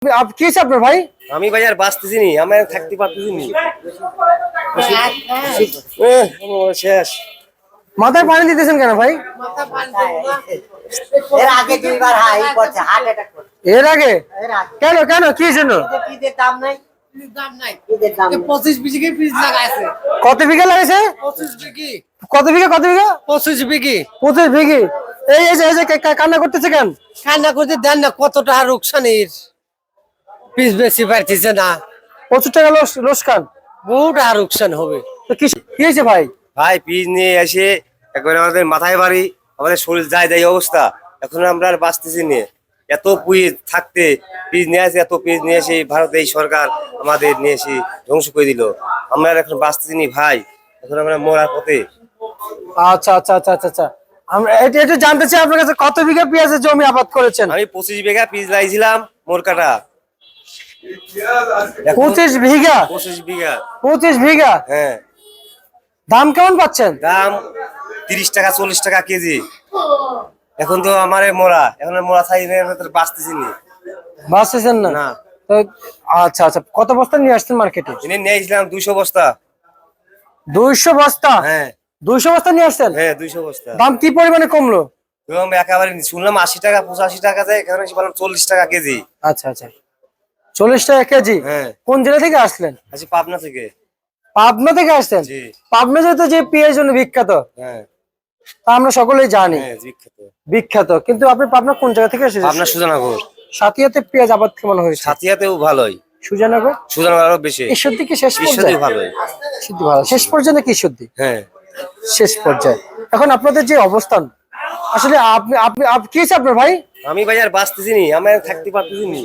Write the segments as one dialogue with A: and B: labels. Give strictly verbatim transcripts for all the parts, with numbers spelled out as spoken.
A: आप কি আপনার ভাই?
B: আমি ভাই আর বাঁচতেছি নি, আমি আর থাকতে পারতেছি নি। শেষ।
A: মাথায় পানি দিতেছেন কেন ভাই?
C: মাথা পানি দেব না। এর আগে দুইবার হাই করছে, হার্ট অ্যাটাক করছে।
A: এর আগে?
C: এর আগে।
A: কেন কেন কি জন্য?
C: পিদের দাম নাই, পিদের দাম নাই। পিদের দাম পঁচিশ বিঘে পিস লাগাইছে।
A: কত বিঘা লাগাইছে?
C: পঁচিশ বিঘে।
A: কত বিঘা কত বিঘা?
C: পঁচিশ বিঘে।
A: পঁচিশ বিঘি। এই এই যে এই যে কা- কান্না করতেছে কেন?
C: কান্না করতে দেন না, কত টাকা রুকসানির পিস বেশি পারতেছে না,
A: প্রচুর টাকা লস লোকসান।
C: বহু টাকা রুকসান হবে।
A: তো কি কি হয়েছে ভাই?
B: ভাই পিস নিয়ে এসে একবারে আমাদের মাথায় বাড়ি, আমাদের শরীর যায় যায় অবস্থা। এখন আমরা আর বাঁচতেছি নি। এত পিস থাকতে পিস নিয়ে আসে, এত পিস নিয়ে এসে ভারত এই সরকার আমাদের নিয়ে এসে ধ্বংস করে দিল। আমরা আর এখন বাঁচতেছি নি ভাই, এখন আমরা মরার পথে।
A: আচ্ছা আচ্ছা আচ্ছা আচ্ছা আচ্ছা আমরা এটা একটু জানতে চাই আপনার কাছে কত বিঘা পেঁয়াজের জমি আবাদ করেছেন?
B: আমি পঁচিশ বিঘা পিস লাগাইছিলাম মোর কাটা।
A: পঁচিশ বিঘা?
B: পঁচিশ বিঘা।
A: পঁচিশ বিঘা?
B: হ্যাঁ।
A: দাম কেমন পাচ্ছেন?
B: দাম তিরিশ টাকা চল্লিশ টাকা কেজি। এখন তো আমার মোরা, এখন মোরা ছাই বাঁচতেছি নি।
A: বাঁচতেছেন না?
B: না।
A: তো আচ্ছা আচ্ছা কত বস্তা নিয়ে আসছেন মার্কেটে?
B: এনে নিয়েছিলাম দুইশো বস্তা।
A: দুইশো বস্তা?
B: হ্যাঁ।
A: দুইশো বস্তা নিয়ে আসছেন?
B: হ্যাঁ দুইশো বস্তা।
A: দাম কি পরিমাণে কমলো?
B: এবং একেবারে শুনলাম আশি টাকা পঁচাশি টাকা যায়, এখানে এসে বললাম চল্লিশ টাকা কেজি।
A: আচ্ছা আচ্ছা চল্লিশ টাকা কেজি?
B: হ্যাঁ।
A: কোন জেলা থেকে আসলেন?
B: আচ্ছা পাবনা থেকে।
A: পাবনা থেকে আসছেন?
B: জি।
A: পাবনা যেহেতু যে পেঁয়াজের জন্য বিখ্যাত,
B: হ্যাঁ।
A: তা আমরা সকলেই জানি
B: হ্যাঁ বিখ্যাত।
A: বিখ্যাত, কিন্তু আপনি পাবনা কোন জায়গা থেকে এসেছেন?
B: পাবনা সুজানগর।
A: সাথিয়াতে পেঁয়াজ আবাদ কেমন হয়েছে?
B: সাথিয়াতেও ভালোই,
A: সুজানগর?
B: সুজানগর আরো বেশি।
A: ঈশ্বরদী কি শেষ
B: ঈশ্বরদী
A: পর্যায়ে?
B: ভালোই।
A: ঈশ্বরদী ভালো, শেষ পর্যায়ে নাকি ঈশ্বরদী?
B: হ্যাঁ।
A: শেষ পর্যায়ে। এখন আপনাদের যে অবস্থান, আসলে আপনি আপনি আপ- কি হয়েছে আপনার ভাই?
B: আমি ভাই আর বাঁচতেছি নি, আমি আর থাকতে পারতেছি নি।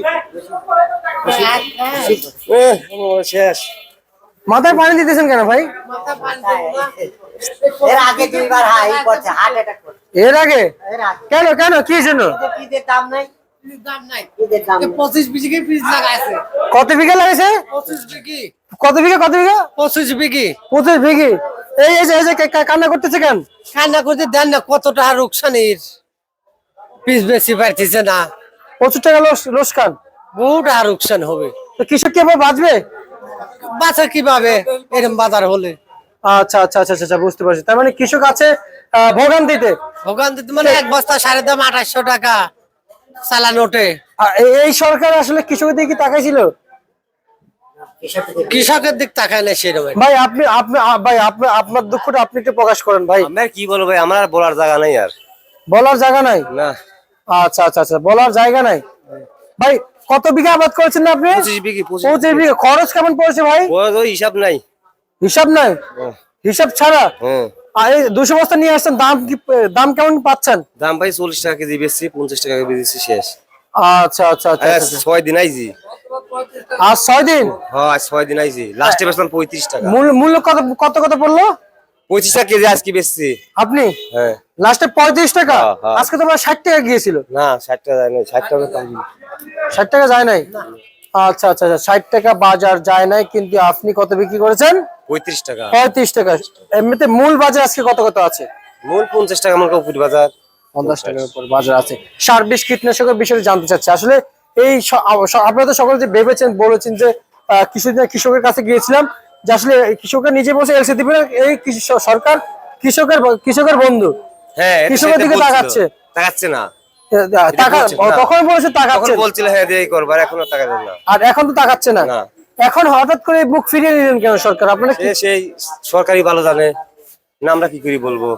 B: শেষ।
A: মাথায় পানি দিতেছেন কেন ভাই?
C: মাথা পানি দেব না। এর আগে দুইবার হাই করছে, হার্ট অ্যাটাক করছে।
A: এর আগে?
C: এর আগে।
A: কেন কেন কি জন্য?
C: পিদের দাম নাই, পিদের দাম নাই। পিদের দাম পঁচিশ বিঘে পিস লাগাইছে।
A: কত বিঘা লাগাইছে?
C: পঁচিশ বিঘে।
A: কত বিঘা কত বিঘা?
C: পঁচিশ বিঘে।
A: পঁচিশ বিঘি। এই এই যে এই যে কা- কা- কান্না করতেছে কেন?
C: কান্না করতে দেন না, কত টাকা রুকসানির পিস বেশি পারতেছে না,
A: প্রচুর টাকা লোস লোকসান।
C: বহু টাকা রুকসান হবে।
A: তো কৃষক কি আবার বাঁচবে?
C: বাঁচা কিভাবে এরকম বাজার হলে?
A: আচ্ছা আচ্ছা আচ্ছা আচ্ছা বুঝতে পারছি। তার মানে কৃষক আছে আহ, ভোগান্তিতে।
C: ওখান থেকে মানে এক বস্তা সাড়ে দাম আঠাশশো টাকা চালান ওঠে।
A: আর এই- এই সরকার আসলে কৃষকের দিকে কি তাকাইছিল?
C: কৃষকের দিক তাকায় না সেরকম।
A: ভাই আপনি আপনি আ- ভাই আপনি আপনার দুঃখটা আপনি একটু প্রকাশ করেন ভাই।
B: আমি আর কি বলবো ভাই, আমার আর বলার জায়গা নাই আর।
A: বলার জায়গা নাই?
B: না।
A: আচ্ছা আচ্ছা আচ্ছা বলার জায়গা নাই। ভাই কত বিঘা আবাদ করেছেন না আপনি?
B: পঁচিশ বিঘি।
A: পঁচিশ বিঘা। খরচ কেমন পড়েছে ভাই?
B: ওই হিসাব নাই।
A: হিসাব নাই? হিসাব ছাড়া?
B: হ্যাঁ।
A: আর এই দুশো বস্তা নিয়ে আসছেন, দাম কি দাম কেমন পাচ্ছেন?
B: দাম ভাই চল্লিশ টাকা কেজি বেশি, পঞ্চাশ টাকা কেজি বেশি শেষ।
A: আচ্ছা আচ্ছা আচ্ছা
B: আজ
A: আচ্ছা।
B: ছয় দিন আইছি।
A: আজ ছয় দিন?
B: হ্যাঁ আজ ছয় দিন আইছি। লাস্টে বেচলাম পঁয়ত্রিশ টাকা।
A: মূল্য মূল্য কত কত কত পড়লো?
B: পঁচিশ টাকা কেজি আজকে বেচছি।
A: আপনি
B: হ্যাঁ।
A: লাস্টে পঁয়ত্রিশ টাকা?
B: হ্যাঁ, হ্যাঁ।
A: আজকে তো আমার ষাট টাকা গিয়েছিল।
B: না ষাট টাকা যায় না, ষাট টাকা কম।
A: ষাট টাকা যায় নাই? আচ্ছা আচ্ছা আচ্ছা ষাট টাকা বাজার যায় নাই, কিন্তু আপনি কত বিক্রি করেছেন?
B: পঁয়ত্রিশ টাকা।
A: পঁয়ত্রিশ টাকা। এমনিতে মূল বাজার আজকে কত কত আছে?
B: মূল পঞ্চাশ টাকা মূল উপর বাজার।
A: পঞ্চাশ টাকার উপর বাজার আছে। সার বিষ কীটনাশকের বিষয়ে জানতে চাচ্ছি আসলে এই স- আ- স- আপনারা তো সকলে যে ভেবেছেন বলেছেন যে আহ, কিছুদিন আগে কৃষকের কাছে গিয়েছিলাম, যে আসলে কৃষকের নিজে বসে এলসি দিবে না, এই কৃষি স- সরকার কৃষকের ব- কৃষকের বন্ধু
B: হ্যাঁ এটা
A: কৃষকের
B: সেটা
A: দিকে
B: বলছিল।
A: তাকাচ্ছে।
B: তাকাচ্ছে না।
A: আহ, টাকা
B: বলছে না।
A: তখন বলেছে
B: তখন
A: তাকাচ্ছে,
B: বলছিল হ্যাঁ দিয়ে করবার, এখন আর টাকা দেন না।
A: আর এখন তো তাকাচ্ছে না।
B: না।
A: এখন হঠাৎ করে মুখ ফিরিয়ে নিলেন কেন সরকার? আপনারা কি
B: সে সেই সরকারি ভালো জানে না, আমরা কি করি বলবো।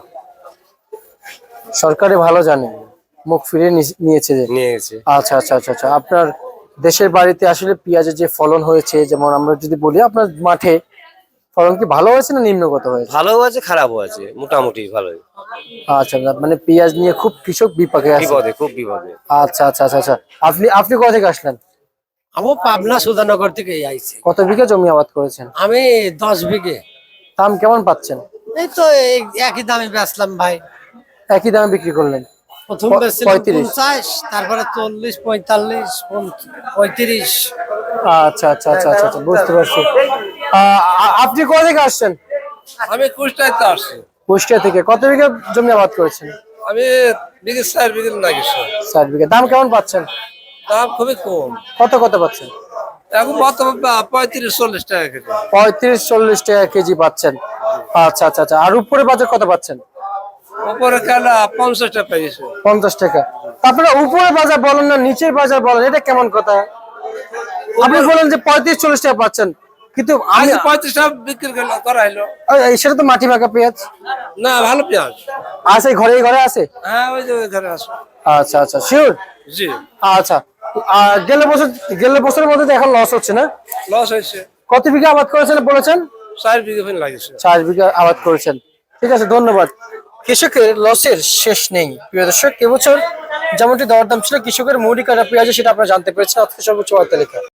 A: সরকারে ভালো জানে মুখ ফিরিয়ে নি- নিয়েছে যে।
B: নিয়ে গেছে।
A: আচ্ছা আচ্ছা আচ্ছা আচ্ছা আপনার দেশের বাড়িতে আসলে পেঁয়াজের যে ফলন হয়েছে, যেমন আমরা যদি বলি আপনার মাঠে ফলন কি ভালো হয়েছে না নিম্নগত হয়েছে?
B: ভালো আছে খারাপও আছে, মোটামুটি ভালোই।
A: আচ্ছা মানে পেঁয়াজ নিয়ে খুব কৃষক বিপাকে আছে।
B: বিপদে, খুব বিপদে।
A: আচ্ছা আচ্ছা আচ্ছা আচ্ছা আপনি আপনি কোথা থেকে আসলেন?
C: আমি পাবনা সুধানগর থেকে আইছি।
A: কত বিঘা জমি আবাদ করেছেন?
C: আমি দশ বিঘে।
A: দাম কেমন পাচ্ছেন?
C: এই তো এই একই দামে বেচলাম ভাই।
A: একই দামে বিক্রি করলেন?
C: প্রথম
A: প-
C: বেচছিলাম
A: পঁয়ত্রিশ।
C: পঞ্চাশ, তারপরে চল্লিশ, পঁয়তাল্লিশ, পঁয়ত্রিশ।
A: আচ্ছা আচ্ছা আচ্ছা আচ্ছা আচ্ছা, বুঝতে পারছি। আহ, আ- আপনি কোথা থেকে আসছেন?
D: আমি কুষ্টায় তো আসছি।
A: কুষ্টিয়া থেকে। কত বিঘা জমি আবাদ করেছেন?
D: আমি বিঘে চার বিঘে লাগিয়েছি।
A: চার বিঘা। দাম কেমন পাচ্ছেন?
D: দাম খুবই কম।
A: কত কত পাচ্ছেন?
D: এখন বর্তমান পঁয়ত্রিশ চল্লিশ টাকা কেজি।
A: পঁয়ত্রিশ চল্লিশ টাকা কেজি পাচ্ছেন। আচ্ছা আচ্ছা আচ্ছা। আর উপরে বাজার কত পাচ্ছেন?
D: উপরে খেলা পঞ্চাশ টাকা পেয়েছে।
A: পঞ্চাশ টাকা। তারপরে উপরে বাজার বলেন না, নিচের বাজার বলেন, এটা কেমন কথা? আপনি বলেন যে পঁয়ত্রিশ চল্লিশ টাকা পাচ্ছেন, কিন্তু আমি
D: আজ পঁয়ত্রিশ টাকা বিক্রি করলো- করা হলো।
A: এই, সেটা তো মাটি মাখা পেঁয়াজ
D: না, ভালো পেঁয়াজ।
A: আছে, ঘরে ঘরে আছে।
D: হ্যাঁ, ওই যে ওইখানে আছে।
A: আচ্ছা আচ্ছা, শিওর।
D: জি,
A: আচ্ছা। আর গেলে বছর গেলে বছরের মধ্যে তো এখন লস হচ্ছে না?
D: লস হয়েছে।
A: কত বিঘা আবাদ করেছেন বলেছেন?
D: চার বিঘা ফেন লাগিয়েছে।
A: চার বিঘা আবাদ করেছেন। ঠিক আছে, ধন্যবাদ। কৃষকের লসের শেষ নেই প্রিয় দর্শক। এবছর যেমনটি দরদাম ছিল কৃষকের মুড়ি কাটা পেঁয়াজে, সেটা আপনারা জানতে পেরেছেন আজকে সর্বোচ্চ বার্তা লেখা।